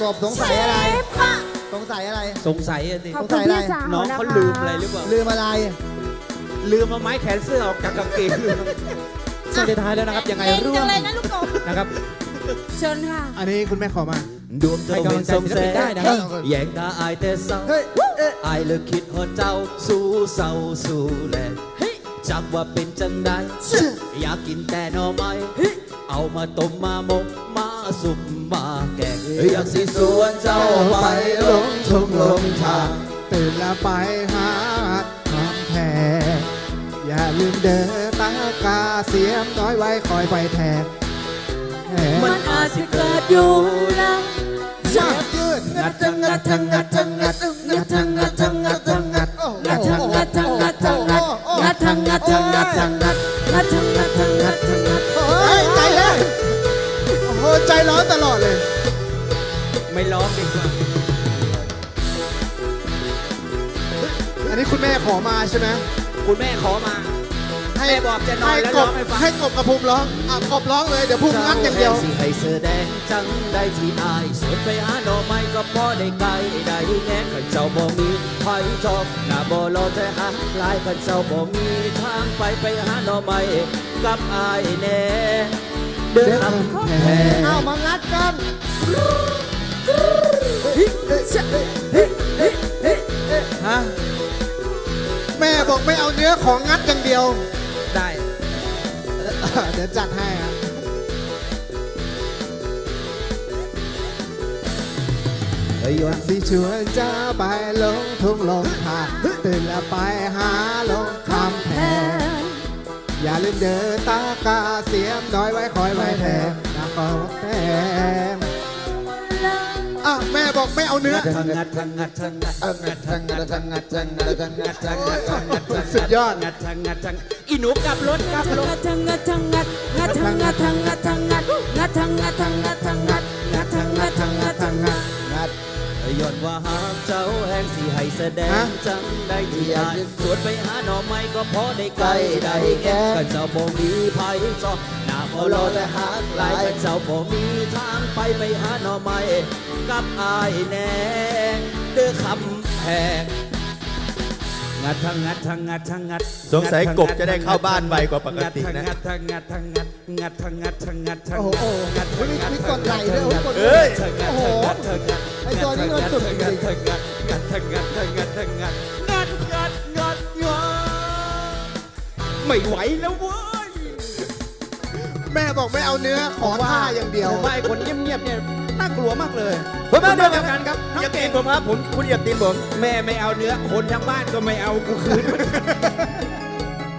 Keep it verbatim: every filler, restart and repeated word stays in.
บสงสัยอะไรสงสัยอะไรสงสัยอะสิขอบคุณพี่สาวน้องนะคะเขาลืมอะไรหรือเปล่าลืมอะไรลืมเอาไม้แขนเสื้อออกจากกางเกงช่วงท้ายแล้วนะครับยังไงเก่งร่วจัมงเลยนะลูกกบนะครับเชิญค่ะอันนี้คุณแม่ขอมาดวงจะเป็นทรงแสให้กำลังใจศิลปินได้งนะครับแยงตาอายแต่เศร้าเฮ้ยเอ๊ะอายเลยคิดฮอดเจ้าสู้เศร้าสู้แลจักว่าเป็นจังใดอยากกินแต่หน่อไม้เอามาต้มมาหมกมาสุกมาแกงอยากสิสวนเจ้าไปลงทุ่งลงทางตื่นแล้วไปหาทำแทนอย่าลืมเดินตากาเสียมน้อยไว้คอยไปแทนแทนมันอาจจะเกิดอยู่นะเสียบยืดงัดทั้งงัดทั้งงัดทั้งงัดงัดทั้งงัดทั้งงัดทั้งงัดงัดทั้งงัดทั้งงัดทั้งงัดงัดทั้งงัดทั้งงัดทั้งงัดงัดทั้งงัดทั้งงัดทั้งงัดเฮ้ยใจเลยโอ้โหใจร้อนตลอดเลยไม่ร้องดีกว่าอันนี้คุณแม่ขอมาใช่ไหมคุณแม่ขอมาให้แม่บอกจะนอนแล้วกร้อบ งให้ฟังให้กบกับภูมิร้องอ่ะกบร้องเลยเดี๋ยวภูมิงัดอย่างเดียวสิให้เสื้อแดงจังได้ที่อายสวนไปหาหน่อไม้ก็พอได้ไกลได้แง่ขันเจ้าบ่มีไผจอบหน้าบ่รอแต่หาหลายขันเจ้าบ่มีทางไปไปหาหน่อไม้กับอายแน่เดินทำแพงเอามางัดกันฮะแม่บอกไม่เอาเนื้อของงัดอย่างเดียวได้เดี๋ยวจัดให้อะเฮ้ยวันสิชวนจะไปลงทุ่งลงทางตื่นแล้วไปหาลงคำแพงอย่าลืมเดินตากาเสียมน้อยไว้คอยไว้แทนนะขอแทนอ่ะแม่บอกไม่เอาเนื้อทางงัดทางงัดทางงัดเอองัดทางงัดทางงัดทางงัดทางงัดทางงัดทางงัดสุดยอดงัดทางงัดทางอีหนูกลับรถกลับรถงัดทั้งงัดทั้งงัดงัดทั้งงัดทั้งงัดทั้งงัดงัดทั้งงัดทั้งงัดทั้งงัดงัดทั้งงัดทั้งงัดทั้งงัดงัดย้อนว่าหากเจ้าแห่งสิให้แสดงฮะจังได้ที่อายสวนไปหาหน่อไม้ก็พอได้ไกลได้แก่กันเจ้าบ่มีภัยจอบหน้าบ่รอแต่หากหลายกันเจ้าบ่มีทางไปไปหาหน่อไม้กับอายแน่เด้อคำแพงงัดทางงัดทางงัดทางงัดสงสัยกบจะได้เข้าบ้านไวกว่าปกตินะงัดทางงัดทางงัดงัดทางงัดทางงัดทางโอ้โหงัดโอ้โหมีมีกดไหลด้วยโอ้โหกดเอ้ยโอ้โหไอ้ตัวนี้มันสุดจริงงัดทางงัดงัดทางงัดทางงัดทางงัดงัดงัดงัดงัดไม่ไหวแล้วเว้ยแม่บอกไม่เอาเนื้อขอท่าอย่างเดียวผมว่าไอ้คนเงียบๆเนี่ยน่ากลัวมากเลยผมมาเดียวกันครับอย่าตีนผมครับผมคุณอย่าตีนผมแม่ไม่เอาเนื้อคนทั้งบ้านก็ไม่เอากูคืน